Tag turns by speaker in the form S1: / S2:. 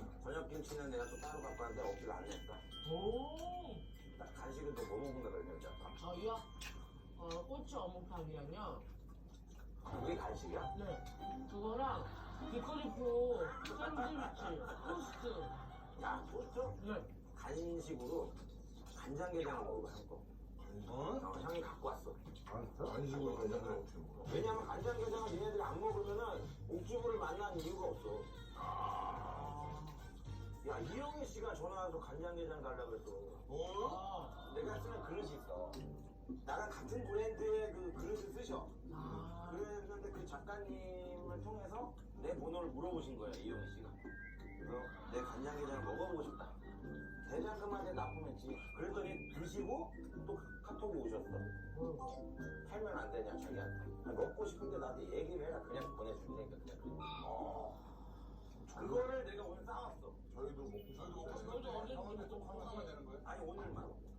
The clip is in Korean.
S1: 저녁 김치는 내가 또 따로 갖고 왔는데 없기를 안 냈어.
S2: 오.
S1: 나 간식은 또 뭐 먹는다 그랬냐, 아까.
S2: 저희요? 꼬치 어묵탕이랑요.
S1: 그게 간식이야?
S2: 네. 그거랑 비커리포 샌드위치 토스트.
S1: 야, 토스트?
S2: 네.
S1: 간식으로 간장게장을 먹어봐, 형 거. 형이 갖고 왔어.
S3: 간식으로 간장을 어떻게 먹어?
S1: 왜냐면 간장게장을 얘네들이 안 먹으면은 옥주부를 만난 이유가 없어. 야, 이영애 씨가 전화 와서 간장게장 달라고 그랬어.
S2: 아.
S1: 내가 쓰는 그릇이 있어. 나랑 같은 브랜드의 그 그릇을 쓰셔.
S2: 아.
S1: 그랬는데 그 작가님을 통해서 내 번호를 물어보신 거야, 이영애 씨가. 그래서 내 간장게장을 먹어보고 싶다. 대장금한테 납품했지. 그랬더니 드시고 또 카톡이 오셨어. 팔면 안 되냐, 자기한테. 아니, 먹고 싶은데 나한테 얘기를 해라. 그냥 보내줄 테니까 그냥. 그거를 내가 오늘 싸왔어.
S3: 저희도 먹고 싶은데
S2: 저희도 언제
S3: 형한테 또 화가 되는 거예요?
S1: 아니, 오늘만.